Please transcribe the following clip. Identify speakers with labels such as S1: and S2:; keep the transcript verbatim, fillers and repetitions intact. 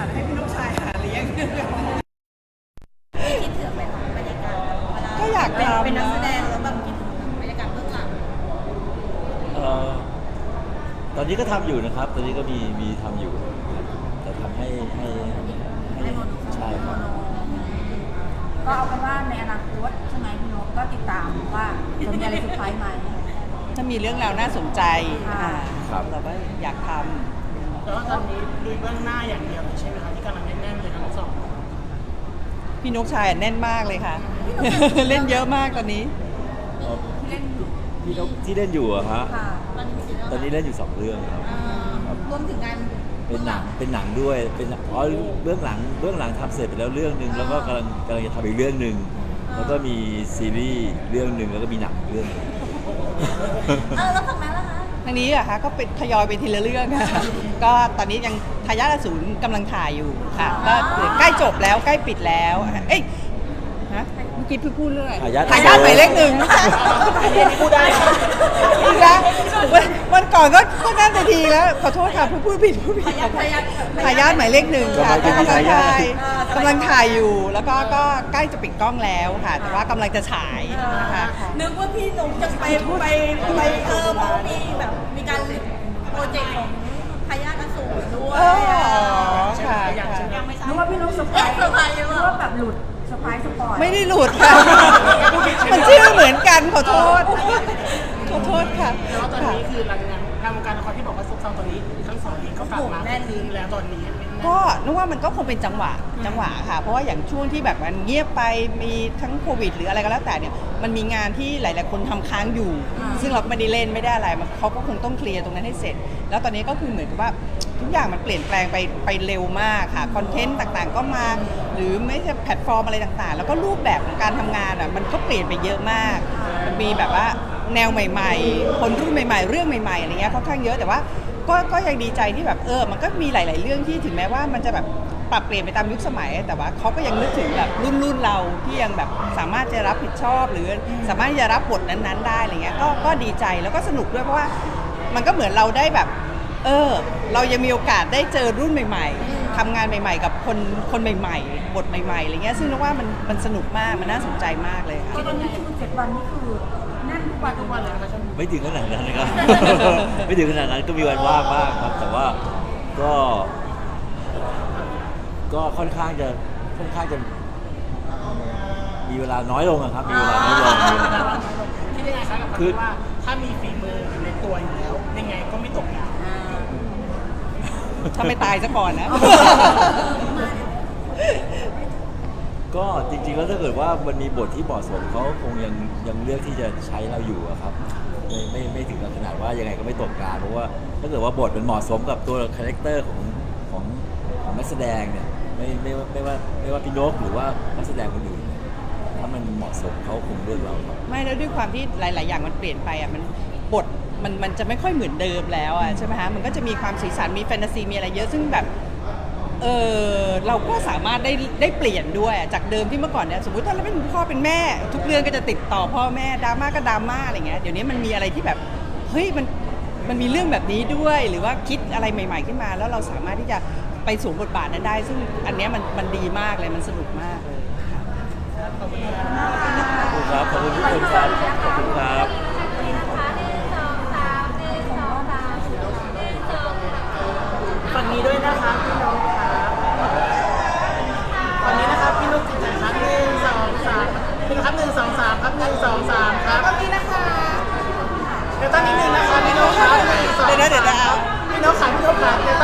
S1: าให้พี่ลูกชายหาเลี้ยง
S2: คิดถึงแบบบรรยากาศเวลา
S3: ก็อยากทำ
S2: เป็นนักแสดงแล้วแบบคิดถึงบรรยากาศเบื้องหลัง
S4: เอ่อตอนนี้ก็ทำอยู่นะครับ ตอนนี้ก็มีมีทำอยู่แต่ทำให้ให้ให้ใช่ครับ
S5: ก็เอาเป็นว่าในอนาคตใช่ไหมพี่นกก็ติดตามว่าจะมีอะไรเซอร์ไพรส์ไหม
S3: ถ้ามีเรื่องราวน่าสนใจ
S5: ค่ะ
S3: อ่า
S4: ครับ
S3: เราก็อยากท
S1: แต่ว่าตอนนี้ลุยเบื้องหน้าอย่างเดียวใช่ไหมคะที่กำลังแน่นๆเลยทั้งสอง
S3: ำพี่นกชายแน่นมากเลยค่ะ เล่นเยอะมากตอนนี้
S5: ที่เล่นอยู่
S4: พี่นกที่เล่นอยู่อะฮะ
S5: ค่ะ
S2: ตอนนี้มีซีรีส์
S4: ตอนนี้เล่นอยู่สองเรื่องครับ
S2: อ่ารวมถึงงาน
S4: เป็นหนังเป็นหนังด้วยเป็นอ๋อเบื้องหลังเบื้องหลังทำเสร็จไปแล้วเรื่องหนึ่งแล้วก็กำลังกำลังจะทำอีกเรื่องหนึ่งแล้วก็มีซีรีส์เรื่องหนึ่งแล้วก็มีหนังอีกเรื่องหนึ่ง
S2: เออแล้วฝั่งนั้นล่ะคะ
S3: ทางนี้อะคะก็เป็นทยอยไปทีละเรื่องค่ะ ก็ตอนนี้ยังทายาทอสูรกำลังถ่ายอยู่ค่ะก็ใกล้จบแล้วใกล้ปิดแล้วเอ้ยฮะเมื่อกี้เพิ่งพูดเรื่องอะไร
S4: ทายาท
S3: ทายาทหมายเลขหนึ่ง
S1: พูดได้ค่ะ
S3: อีกแล้ววันวันก่อนก็ก็นั่นไปทีแล้วขอโทษค่ะพูดพูดผิดพูดผิด
S2: ทายาททายาท
S3: ทายาทหมายเลขหนึ่งค่ะ
S4: กำลังจะมี
S3: กำลัง
S4: ทายาท
S3: ถ่ายกำลังถ่ายอยู่ แล้วก็ก็ใกล้จะปิดกล้องแล้วค่ะ แต่ว่ากำลังจะฉายนะคะ
S2: นึกว่าพี่หนุ่มจะไปไปไปเออเพราะว่ามีแบบมีการโปรเจกต์ของทายาทอสูรด้ว
S3: เอย อค่ะ
S1: อย่าง
S3: ค่ะ
S1: เช่นยังไม่ทรา
S5: นึ
S1: บ
S5: กว่าพี่นกเซอร์ไพร
S2: เอ๊ะ
S5: ส์
S2: เซอร์ไพรส์หรือ
S5: นึ
S2: เป
S5: ก
S2: ล่า
S5: ว่าแบบหลุดเซอร์ไพรส์สปอย
S3: ไม่ได้หลุดค่ะ มันชื่อเหมือนกันขอโทษ ขอโทษค่ะ
S1: แต่ว่าตอน
S3: ค่ะ
S1: นี้คือหลังงานทางวงการละครที่บอกว่าซุกเซาตอนนี้ทั้งสองนี้ก็กลับมาคืนแล้วตอนนี้
S3: ก็นึกว่ามันก็คงเป็นจังหวะจังหวะค่ะ เพราะว่าอย่างช่วงที่แบบมันเงียบไปมีทั้งโควิด หรืออะไรก็แล้วแต่เนี่ยมันมีงานที่หลาย ๆ คนทำค้างอยู่ ซึ่งเราก็ไม่ได้เล่นไม่ได้อะไรมันเขาก็คงต้องเคลียร์ตรงนั้นให้เสร็จ แล้วตอนนี้ก็คือเหมือนกับว่าทุกอย่างมันเปลี่ยนแปลงไปไปเร็วมากค่ะคอนเทนต์ต่างๆ ก็มาหรือไม่ใช่แพลตฟอร์มอะไรต่างๆ แล้วก็รูปแบบของการทำงานอ่ะมันก็เปลี่ยนไปเยอะมากมันมีแบบว่าแนวใหม่ ๆ คนรุ่นใหม่ ๆ เรื่องใหม่ ๆ อะไรเงี้ยค่อนข้างเยอะแต่ว่า ก็ก็ยังดีใจที่แบบเออ มันก็มีหลาย ๆ เรื่องที่ถึงแม้ว่ามันจะแบบปรับเปลี่ยนไปตามยุคสมัย แต่ว่าเขาก็ยังนึกถึงแบบรุ่นรุ่นเราที่ยังแบบสามารถจะรับผิดชอบ หรือสามารถจะรับบทนั้น ๆ ได้อะไรเงี้ย ก็ก็ดีใจแล้วก็สนุกด้วยเพราะว่ามันก็เหมือนเราได้แบบ เออ เรายังมีโอกาสได้เจอรุ่นใหม่ ๆทำงานใหม่ ๆ กับคนคนใหม่ ๆ บทใหม่ ๆ อะไรเงี้ย ซึ่งนึกว่ามันมันสนุกมาก มันน่าสนใจมากเลยค่ะ
S5: ตอนนี้คือเจ็ดวันนี่คือแน่นทุกวัน
S1: ทุกวันเลยนะคะช่วงนี้
S4: ไม่ถึงขนาดนั้นนะครับ ไม่ถึงขนาดนั้นก็มีวันว่างบ้างครับ แต่ว่าก็ ก็ค่อนข้างจะค่อนข้างจะ มีเวลาน้อยลงอะครับมีเวลาน้อยลงมีเวลาน้อยลง
S1: คิดยังไงคะกับคำที่ว่าถ้ามีฝีมืออยู่ในตัวอยู่แล้วยังไงก็ไม่ตกงาน
S3: ถ้าไม่ตายซะก่อนนะ
S4: ก็จริงๆแล้วถ้าเกิดว่ามันมีบทที่เหมาะสมเขาคงยังยังเลือกที่จะใช้เราอยู่อะครับไม่ไม่ไม่ถึงกับขนาดว่ายังไงก็ไม่ตกการเพราะว่าถ้าเกิดว่าบทมันเหมาะสมกับตัวคาแรคเตอร์ของของของนักแสดงเนี่ยไม่ไม่ว่าไม่ว่าไม่ว่าพี่นกหรือว่านักแสดงคนอื่นเนี่ยถ้ามันเหมาะสมเขาคงเลือกเราครับ
S3: ไม่แล้วด้วยความที่หลาย ๆ อย่างมันเปลี่ยนไปอ่ะมันบทมันมันจะไม่ค่อยเหมือนเดิมแล้วอ่ะใช่ไหมฮะมันก็จะมีความสีสันมีแฟนตาซีมีอะไรเยอะซึ่งแบบเออเราก็สามารถได้ได้เปลี่ยนด้วยอะจากเดิมที่เมื่อก่อนเนี่ยสมมติถ้าเราเป็นพ่อเป็นแม่ ทุกเรื่องก็จะติดต่อพ่อแม่ดราม่าก็ดราม่าอะไรเงี้ยเดี๋ยวนี้มันมีอะไรที่แบบเฮ้ยมันมันมีเรื่องแบบนี้ด้วยหรือว่าคิดอะไรใหม่ ๆ ขึ้นมา แล้วเราสามารถที่จะไปสวมบทบาทนั้นได้ ซึ่งอันเนี้ยมันมันดีมากเลยมันสนุกมากเลยค่ะ
S4: ขอบคุณครับ ขอบคุณทุกคนครับ ขอบคุณครับ
S1: ฝั่งนี้ด้วยนะคะพี่นกครับฝั่งนี้นะครับพี่นกจิตใจครับหนึ่งสองสามพี่นกครับหนึ่งสองสามครับหนึ่งสองสามครับฝั่งนี้นะคะเดี๋ยวตั้งนิดนึงนะคะพี่นกครับหนึ่งสอง
S3: เดี๋ยวนะเดี๋ยวนะ
S1: พี่นกขาพี่นกขาเดี๋ยว